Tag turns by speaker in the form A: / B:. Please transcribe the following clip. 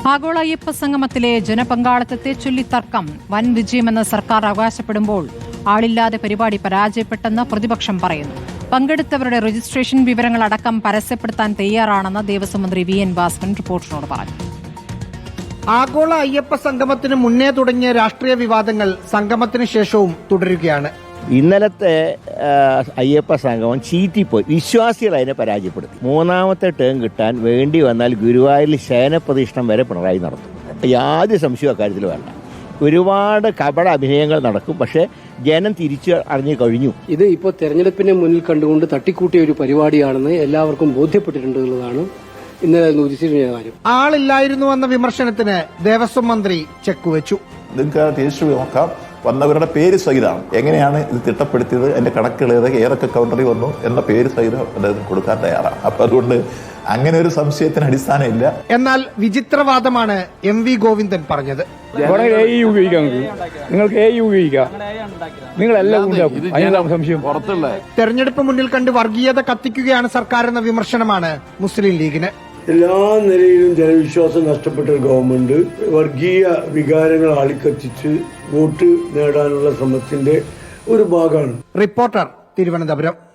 A: ആഗോള അയ്യപ്പ സംഗമത്തിലെ ജനപങ്കാളിത്തത്തെ ചൊല്ലി തർക്കം വൻ വിജയമെന്ന് സർക്കാർ അവകാശപ്പെടുമ്പോൾ ആളില്ലാതെ പരിപാടി പരാജയപ്പെട്ടെന്ന് പ്രതിപക്ഷം പറയുന്നു. പങ്കെടുത്തവരുടെ രജിസ്ട്രേഷൻ വിവരങ്ങളടക്കം പരസ്യപ്പെടുത്താൻ തയ്യാറാണെന്ന് ദേവസ്വം മന്ത്രി വി.എൻ. ഭാസ്കരൻ റിപ്പോർട്ടറിനോട് പറഞ്ഞു.
B: ആഗോള അയ്യപ്പ സംഗമത്തിന് മുന്നേ തുടങ്ങിയ രാഷ്ട്രീയ വിവാദങ്ങൾ സംഗമത്തിന് ശേഷവും തുടരുകയാണ്.
C: ഇന്നലത്തെ അയ്യപ്പ സംഗമം ചീറ്റിപ്പോയി. വിശ്വാസികൾ അതിനെ പരാജയപ്പെടുത്തി. മൂന്നാമത്തെ ടേം കിട്ടാൻ വേണ്ടി വന്നാൽ ഗുരുവായൂരിൽ ശയനപ്രതിഷ്ഠം വരെ പിണറായി നടത്തും. യാതൊരു സംശയവും അക്കാര്യത്തിൽ വേണ്ട. ഒരുപാട് കപട അഭിനയങ്ങൾ നടക്കും. പക്ഷേ ജനം തിരിച്ചു അറിഞ്ഞു കഴിഞ്ഞു.
D: ഇത് ഇപ്പോൾ തെരഞ്ഞെടുപ്പിനെ മുന്നിൽ കണ്ടുകൊണ്ട് തട്ടിക്കൂട്ടിയ ഒരു പരിപാടിയാണെന്ന് എല്ലാവർക്കും ബോധ്യപ്പെട്ടിട്ടുണ്ടെന്നുള്ളതാണ് ഇന്നലെ ഉദിച്ചിരുന്ന കാര്യം.
B: ആളില്ലായിരുന്നുവെന്ന വിമർശനത്തിന് ദേവസ്വം മന്ത്രി ചെക്കുവെച്ചു.
E: നിങ്ങൾക്ക് രജിസ്റ്റർ നോക്കാം, വന്നവരുടെ പേര് സഹിതമാണ് എങ്ങനെയാണ് ഇത് തിട്ടപ്പെടുത്തിയത്, എന്റെ കണക്കുകൾ ഏതൊക്കെ കൗണ്ടറിൽ വന്നു എന്ന പേര് സഹിതം അദ്ദേഹം കൊടുക്കാൻ തയ്യാറാണ്. അപ്പൊ അതുകൊണ്ട് അങ്ങനെ ഒരു സംശയത്തിന് അടിസ്ഥാനമില്ല.
B: എന്നാൽ വിചിത്രവാദമാണ് എം.വി. ഗോവിന്ദൻ പറഞ്ഞത്. തെരഞ്ഞെടുപ്പ് മുന്നിൽ കണ്ട് വർഗീയത കത്തിക്കുകയാണ് സർക്കാർ എന്ന വിമർശനമാണ് മുസ്ലിം ലീഗിന്.
F: എല്ലാ നിലയിലും ജനവിശ്വാസം നഷ്ടപ്പെട്ട ഒരു ഗവൺമെന്റ് വർഗീയ വികാരങ്ങൾ ആളിക്കത്തിച്ച് വോട്ട് നേടാനുള്ള ശ്രമത്തിന്റെ ഒരു ഭാഗമാണ്.
B: റിപ്പോർട്ടർ, തിരുവനന്തപുരം.